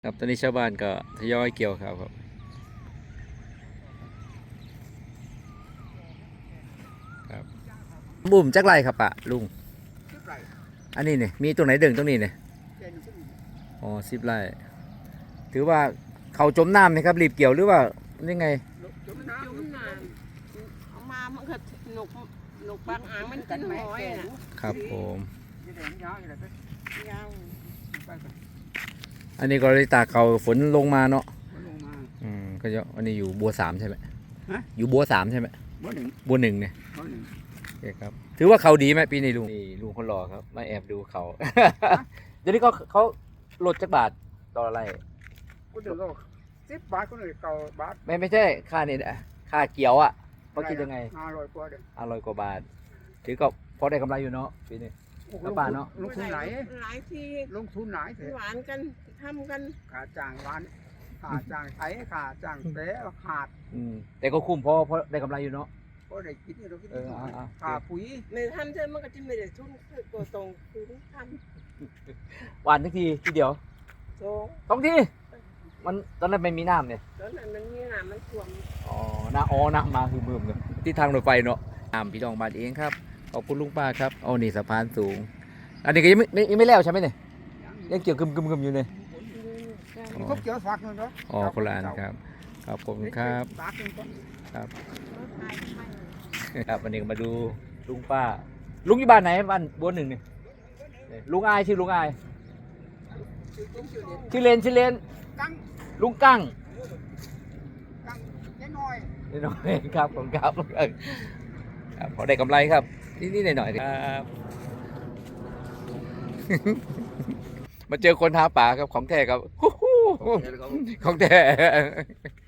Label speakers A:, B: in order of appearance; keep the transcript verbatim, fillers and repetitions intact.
A: ครับตอนนี้ชาวบ้านก็ทยอยเกี่ยวข้าวครับครับบุ่มจักไรครับปะลุงอันนี้เนี่ยมีตรงไหนเด่งตรงนี้เนี่ยอ๋อสิบไร่ถือว่าเขาจมน้ำไหมครับรีบเกี่ยวหรือว่ายังไง
B: จมน้ำเอามามันก็หนุกหนุกบางอ่างมันกินหอยนะครับ
A: ผม
B: ยาว
A: อันนี้ก็เลยตากเขาฝนลงมาเนาะอืมก็จะอันนี้อยู่บัวสามใช่ไหมอยู่บัวสามใช่ไหม
C: บัวหนึ่ง
A: บัวหนึ่งเนี่ย
C: บัวหนึ่ง
A: โอเคครับถือว่าเขาดีไหมปีนี้ลุงนี่ลุงคนรอครับมาแอบดูเขา เดี๋ยวนี้ก็เขาลดจักบาทต่ออะไร
C: กูเดือดก็สิบบาทก็เลยเก้าบาท
A: ไม่ไม่ใช่ค่านี่นะค่าเกี่ยวอ่ะเขาคิดยังไง
C: ห้าร้อยกว่าเด้อ
A: ห้าร้อยกว่าบาทถือก็พอได้กำไรอยู่เนาะปีนี้แล้วป่าเนาะ
C: ลงทุนไหน
B: หลายที
C: ลงทุนไหนเถอะ
B: หวานกันทำกัน
C: ขาจ้างร้านขาจ้างไถขาจ้างเตะขาด
A: อืมแต่ก็คุ้มเพราะเพราะได้กำไรอยู่เนาะ
C: ก็ได้กินเรากิน
A: ขา
C: ปุ๋ย
B: ไม่ทำเธอมันก็จะไม่ได้ทุนตัวตรงคือท
A: ำหวานทุกทีทีเดียว
B: สอง
A: สองทีมันตอนนั้นไม่มีน้ำเนี่ย
B: ตอนนั้นมันมีน้ำมันท่วม
A: อ๋อน้ำอ๋อน้ำมาคือมืมเลยที่ทางรถไฟเนาะน้ำพี่น้องบ้านเองครับขอบคุณลุงป้าครับเอานี่สะพานสูงอันนี้ก็ยังไม่ยังไม่แล้วใช่ไหมเนี่ยยังเกี่ยวกึมกึมกึมอยู่เนี่ย
C: มันก็เกี่ยวฝากเงินเนาะ
A: อ๋อคนละอันครับขอบคุณครับครับครับวันนี้มาดูลุงป้าลุงอยู่บ้านไหนบ้านบัวหนึ่งเนี่ยลุงอายชื่อลุงอายชื่อเลนชื่อเลนลุงกั้ง
C: กั้งน้อย
A: น้อยครับผมครับครับพอได้กำไรครับนี่ๆหน่อยๆครับมาเจอคนหาป่าครับของแท้ครับของแท้